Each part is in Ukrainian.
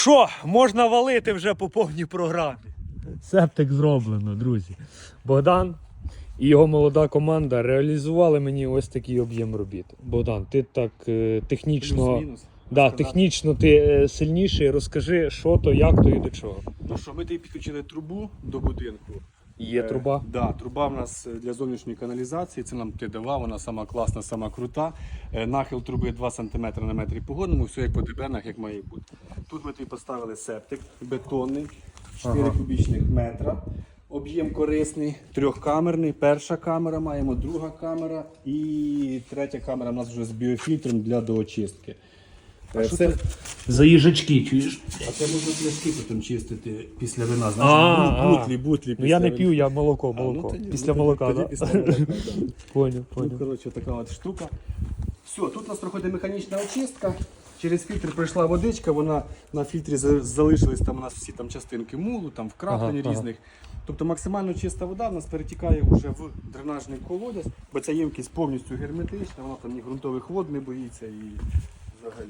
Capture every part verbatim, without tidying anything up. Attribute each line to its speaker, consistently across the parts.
Speaker 1: Що, можна валити вже по повній програмі. Септик зроблено, друзі. Богдан і його молода команда реалізували мені ось такий об'єм робіт. Богдан, ти так е, технічно,
Speaker 2: Плюс-мінус.
Speaker 1: да, технічно ти е, сильніший. Розкажи, що то, як то і до чого.
Speaker 2: Ну що, ми тобі підключили трубу до будинку.
Speaker 1: Є труба?
Speaker 2: Так, да, труба в нас для зовнішньої каналізації, це нам ти давав, вона сама класна, сама крута. Е, Нахил труби два сантиметри на метрі погодному, все як по ДБНах, як має бути. Тут ми тобі поставили септик бетонний, чотири
Speaker 1: Ага.
Speaker 2: кубічних метра. Об'єм корисний, трьохкамерний. Перша камера маємо, друга камера і третя камера у нас вже з біофільтром для доочистки. Е,
Speaker 1: що
Speaker 2: Це,
Speaker 1: це? За їжачки, чуєш?
Speaker 2: а це можна пляшки потім чистити після вина.
Speaker 1: А,
Speaker 2: Знаєш,
Speaker 1: а.
Speaker 2: бутлі, бутлі.
Speaker 1: Ну я не
Speaker 2: після
Speaker 1: п'ю, я молоко,
Speaker 2: А, ну,
Speaker 1: молоко.
Speaker 2: тоді-
Speaker 1: Після
Speaker 2: ну, тоді-
Speaker 1: молока,
Speaker 2: тоді
Speaker 1: так?
Speaker 2: після молока, да.
Speaker 1: Поняв,
Speaker 2: Ну,
Speaker 1: поняв.
Speaker 2: коротше, така от штука. Все, тут у нас проходить механічна очистка. Через фільтр пройшла водичка, вона на фільтрі за- залишились там у нас всі там частинки мулу, там вкраплень
Speaker 1: Ага, ага.
Speaker 2: різних. Тобто максимально чиста вода в нас перетікає вже в дренажний колодязь, бо ця ємкість повністю герметична, вона там ні ґрунтових вод не боїться і взагалі.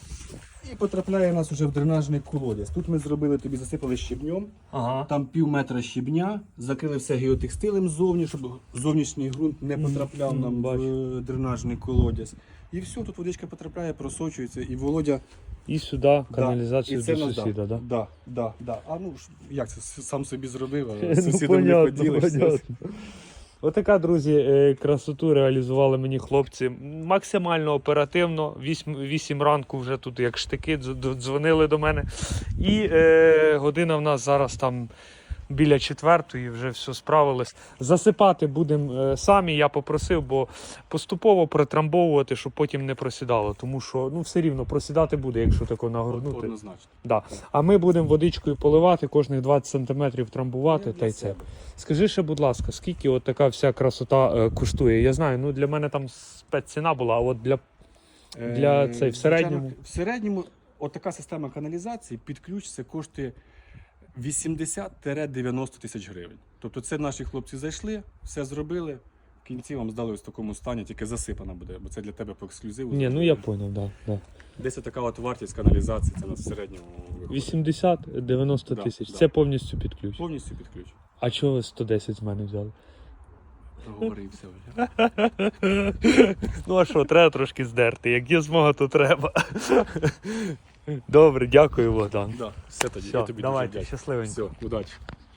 Speaker 2: І потрапляє у нас вже в дренажний колодязь. Тут ми зробили, тобі засипали щебнем.
Speaker 1: Ага.
Speaker 2: Там пів метра щебня, закрили все геотекстилем ззовні, щоб зовнішній ґрунт не потрапляв нам в дренажний колодязь. І все, тут водичка потрапляє, просочується, і Володя...
Speaker 1: І сюди каналізацію
Speaker 2: Да, і це
Speaker 1: до
Speaker 2: нас,
Speaker 1: сусіда,
Speaker 2: да?
Speaker 1: так?
Speaker 2: Да, да, да. А ну ж, як це, с- сам собі зробив, а
Speaker 1: Ну,
Speaker 2: з сусідом не
Speaker 1: понятно,
Speaker 2: поділишся.
Speaker 1: понятно. Отака, друзі, е, красоту реалізували мені хлопці. Максимально оперативно. Вісім, вісім ранку вже тут як штики дз- дзвонили до мене. І е, година в нас зараз там біля четвертої, вже все справилось. Засипати будемо е, самі, я попросив, бо поступово притрамбовувати, щоб потім не просідало. Тому що ну, все рівно просідати буде, якщо тако нагорнути.
Speaker 2: Однозначно.
Speaker 1: Да. А ми будемо водичкою поливати, кожних двадцять сантиметрів трамбувати
Speaker 2: Ну,
Speaker 1: та й
Speaker 2: для
Speaker 1: це.
Speaker 2: себе.
Speaker 1: Скажи ще, будь ласка, скільки от така вся красота е, коштує? Я знаю, ну для мене там спецціна була, а от для Для
Speaker 2: Е,
Speaker 1: цей, в
Speaker 2: звичайно,
Speaker 1: середньому?
Speaker 2: В середньому отака система каналізації під ключ це коштує вісімдесят-дев'яносто тисяч гривень. Тобто це наші хлопці зайшли, все зробили, в кінці вам здали ось в такому стані, тільки засипана буде, бо це для тебе по ексклюзиву.
Speaker 1: ні, ну я поняв, да, да.
Speaker 2: Десь така от вартість каналізації, це у нас в середньому виходить.
Speaker 1: вісімдесят-дев'яносто
Speaker 2: Да,
Speaker 1: тисяч.
Speaker 2: да.
Speaker 1: Це повністю під ключ.
Speaker 2: Повністю під ключ.
Speaker 1: А чого ви сто десять з мене взяли?
Speaker 2: Проговорився вже.
Speaker 1: Ну а що, треба трошки здерти. Як є змога, то треба. Добре, дякую, Богдан.
Speaker 2: Да, все тоді.
Speaker 1: Все,
Speaker 2: Я тобі
Speaker 1: давайте,
Speaker 2: дуже вдячний.
Speaker 1: щасливенько.
Speaker 2: Все, удачі.